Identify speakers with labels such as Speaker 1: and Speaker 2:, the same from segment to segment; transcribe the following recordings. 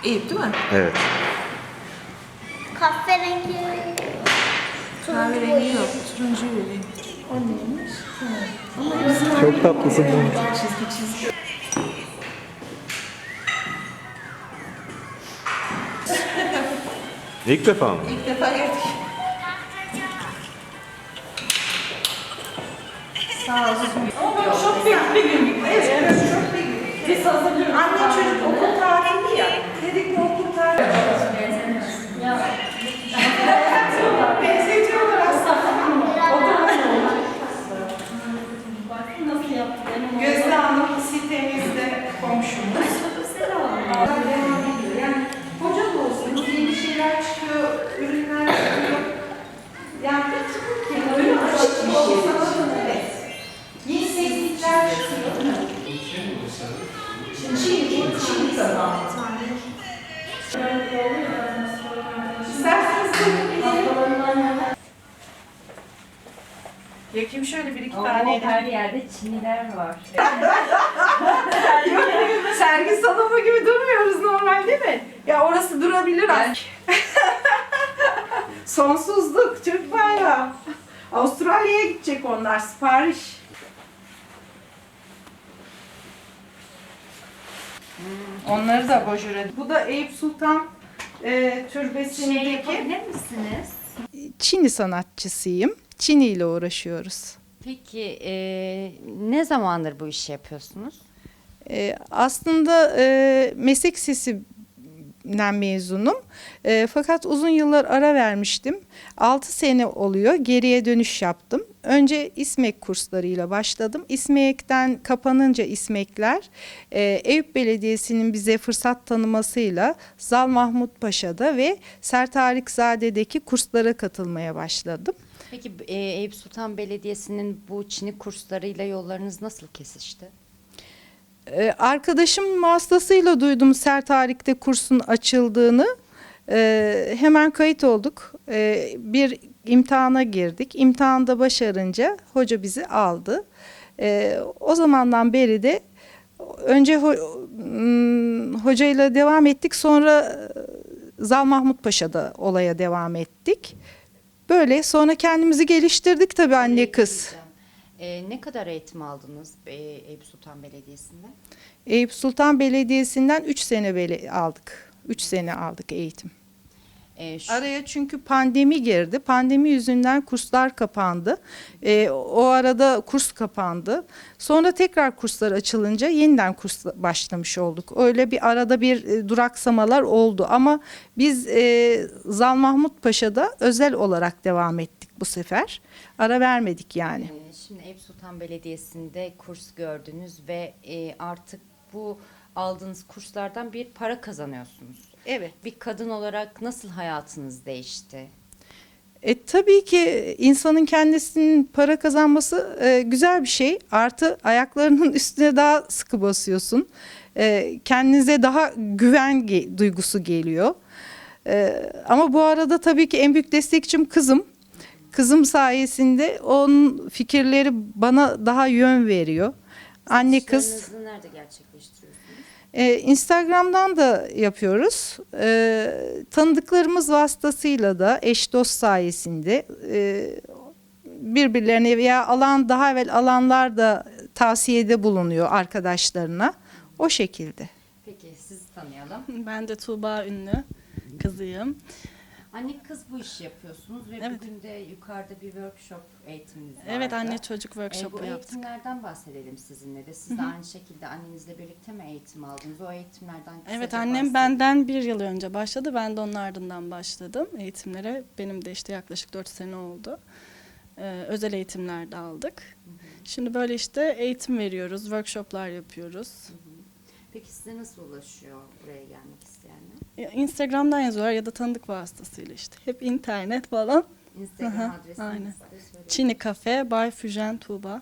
Speaker 1: Eyüp değil mi?
Speaker 2: Evet.
Speaker 3: Kahverengi.
Speaker 1: Kahverengi yok. Turuncu vereyim.
Speaker 3: O neymiş?
Speaker 2: Çok tatlısın.
Speaker 1: Çizgi çizgi.
Speaker 2: İlk defa mı?
Speaker 1: İlk defa gördük. Sağ olsun.
Speaker 4: Çok büyük bir gün. Evet, çok büyük. Biz hazırlıyoruz. Anne çocuk okul tatili ya. Dedik bu okul tatili. Benzetiyorlar aslında. Nasıl yaptı? Gözde Hanım sitemizde komşumuz. Yani hoca da olsun, yeni şeyler çıkıyor, ürünler çıkıyor. Yani öyle açık bir şey. Evet. Yeni teknikler çıkıyor. Çin zaman. İsterseniz yakayım şöyle bir iki tane.
Speaker 5: Her yerde Çinliler var.
Speaker 4: Sergi salonu gibi durmuyoruz normal değil mi? Ya orası durabilir aslında. Sonsuzluk, Türk bayrağı. Avustralya'ya gidecek onlar, sipariş. Onları da bojure. Bu da Eyüp Sultan türbesindeki...
Speaker 5: Yapabilir misiniz?
Speaker 6: Çini sanatçısıyım. Çini ile uğraşıyoruz.
Speaker 5: Peki ne zamandır bu işi yapıyorsunuz?
Speaker 6: Aslında meslek lisesinden mezunum. Fakat uzun yıllar ara vermiştim. 6 sene oluyor. Geriye dönüş yaptım. Önce İSMEK kurslarıyla başladım. İSMEK'ten kapanınca İSMEK'ler Eyüp Belediyesi'nin bize fırsat tanımasıyla Zal Mahmut Paşa'da ve Sertarikzade'deki kurslara katılmaya başladım.
Speaker 5: Peki Eyüp Sultan Belediyesi'nin bu Çin'i kurslarıyla yollarınız nasıl kesişti?
Speaker 6: Arkadaşım vasıtasıyla duydum Sertarik'te kursun açıldığını. Hemen kayıt olduk. Bir imtihana girdik. İmtihanda başarınca hoca bizi aldı. O zamandan beri de önce hocayla devam ettik. Sonra Zal Mahmut Paşa'da olaya devam ettik. Böyle sonra kendimizi geliştirdik tabii anne kız.
Speaker 5: Ne kadar eğitim aldınız Eyüp Sultan Belediyesi'nde?
Speaker 6: Eyüp Sultan Belediyesi'nden 3 sene aldık. 3 sene aldık eğitim. Araya çünkü pandemi girdi. Pandemi yüzünden kurslar kapandı. O arada kurs kapandı. Sonra tekrar kurslar açılınca yeniden kurs başlamış olduk. Öyle bir arada bir duraksamalar oldu. Ama biz Zal Mahmut Paşa'da özel olarak devam ettik bu sefer. Ara vermedik yani.
Speaker 5: Şimdi Eyüp Sultan Belediyesi'nde kurs gördünüz ve artık bu aldığınız kurslardan bir para kazanıyorsunuz.
Speaker 6: Evet.
Speaker 5: Bir kadın olarak nasıl hayatınız değişti?
Speaker 6: Tabii ki insanın kendisinin para kazanması güzel bir şey. Artı ayaklarının üstüne daha sıkı basıyorsun. Kendinize daha güven duygusu geliyor. Ama bu arada tabii ki en büyük destekçim kızım. Kızım sayesinde onun fikirleri bana daha yön veriyor. Anne kız.
Speaker 5: İşlerinizi nerede gerçekleştiriyorsunuz?
Speaker 6: Instagram'dan da yapıyoruz. Tanıdıklarımız vasıtasıyla da eş dost sayesinde birbirlerine veya daha evvel alanlar da tavsiyede bulunuyor arkadaşlarına. O şekilde.
Speaker 5: Peki sizi tanıyalım.
Speaker 7: Ben de Tuğba Ünlü kızıyım.
Speaker 5: Anne kız bu işi yapıyorsunuz ve
Speaker 7: Evet.
Speaker 5: bugün de yukarıda bir workshop eğitiminiz var.
Speaker 7: Evet, anne çocuk
Speaker 5: Bu
Speaker 7: workshopu yaptık.
Speaker 5: eğitimlerden bahsedelim sizinle de. Siz de aynı şekilde annenizle birlikte mi eğitim aldınız? O eğitimlerden kısaca
Speaker 7: Evet, annem
Speaker 5: bahsedin.
Speaker 7: benden 1 yıl önce başladı. Ben de onun ardından başladım eğitimlere. Benim de işte yaklaşık 4 sene oldu. Özel eğitimler de aldık. Şimdi böyle işte eğitim veriyoruz, workshoplar yapıyoruz.
Speaker 5: Peki size nasıl ulaşıyor buraya gelmek isteyenler?
Speaker 7: Instagram'dan yazıyorlar ya da tanıdık vasıtasıyla işte. Hep internet falan.
Speaker 5: Instagram
Speaker 7: Aha,
Speaker 5: adresinizi
Speaker 7: aynen.
Speaker 5: de söyleyin.
Speaker 7: Çini Cafe by Füjen Tuğba.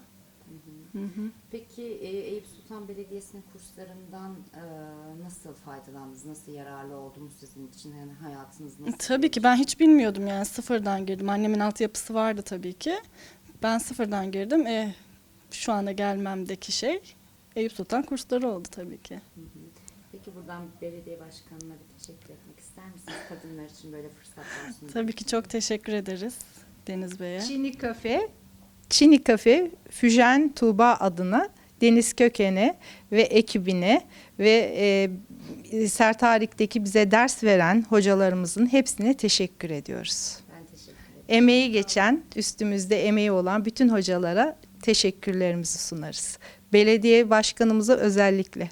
Speaker 5: Peki Eyüp Sultan Belediyesi'nin kurslarından nasıl faydalandınız? Nasıl yararlı oldu mu sizin için? Yani hayatınız nasıl?
Speaker 7: Tabii ki ben hiç bilmiyordum yani sıfırdan girdim. Annemin altyapısı vardı tabii ki. Ben sıfırdan girdim. Şu anda gelmemdeki şey Eyüp Sultan kursları oldu tabii ki.
Speaker 5: Peki Peki buradan belediye başkanına bir teşekkür etmek ister misiniz? Kadınlar için böyle fırsatlar sunduğu
Speaker 7: Tabii ki çok teşekkür ederiz Deniz Bey'e.
Speaker 6: Çini Kafe, Füjen Tuğba adına Deniz Köken'e ve ekibine ve Sertarik'teki bize ders veren hocalarımızın hepsine teşekkür ediyoruz.
Speaker 5: Ben teşekkür ederim.
Speaker 6: Emeği geçen, üstümüzde emeği olan bütün hocalara teşekkürlerimizi sunarız. Belediye başkanımıza özellikle.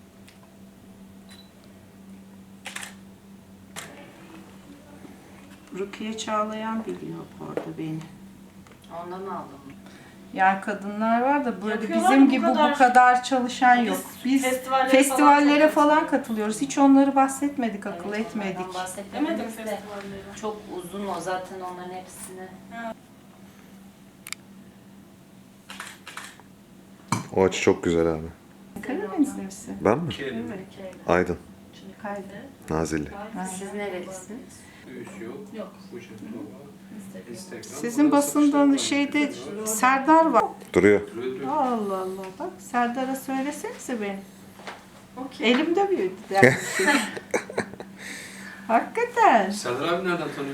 Speaker 1: Rukiye Çağlayan biliyor orada beni.
Speaker 5: Ondan aldım.
Speaker 6: Yani kadınlar var da böyle
Speaker 1: Yapıyorlar
Speaker 6: bizim
Speaker 1: mı?
Speaker 6: gibi
Speaker 1: Bu
Speaker 6: bu kadar çalışan yok. Biz festivallere falan katılıyoruz. Hiç onları bahsetmedik, akıl etmedik.
Speaker 5: Demedim çok uzun o zaten onların hepsini.
Speaker 2: O açı çok güzel abi.
Speaker 6: Karadenizli misin?
Speaker 2: Ben mi?
Speaker 6: Evet.
Speaker 2: Aydın.
Speaker 6: Kaydı.
Speaker 2: Nazilli.
Speaker 5: Siz nerelisiniz?
Speaker 6: Sizin basından şeyde Serdar var.
Speaker 2: Duruyor.
Speaker 6: Allah Allah bak Serdar'a söylesenize benim. Elimde büyüdü dersin. Hakikaten.
Speaker 3: Serdar abi nereden tanıyor?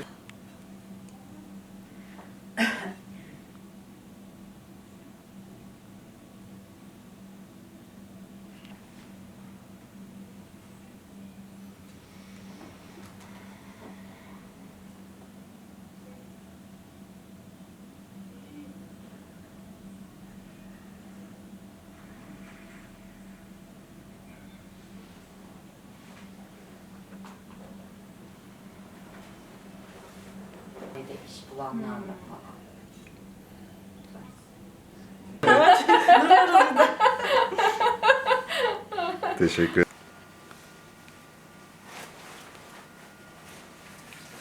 Speaker 5: Bir de iş bulanlarla falan.
Speaker 2: Teşekkür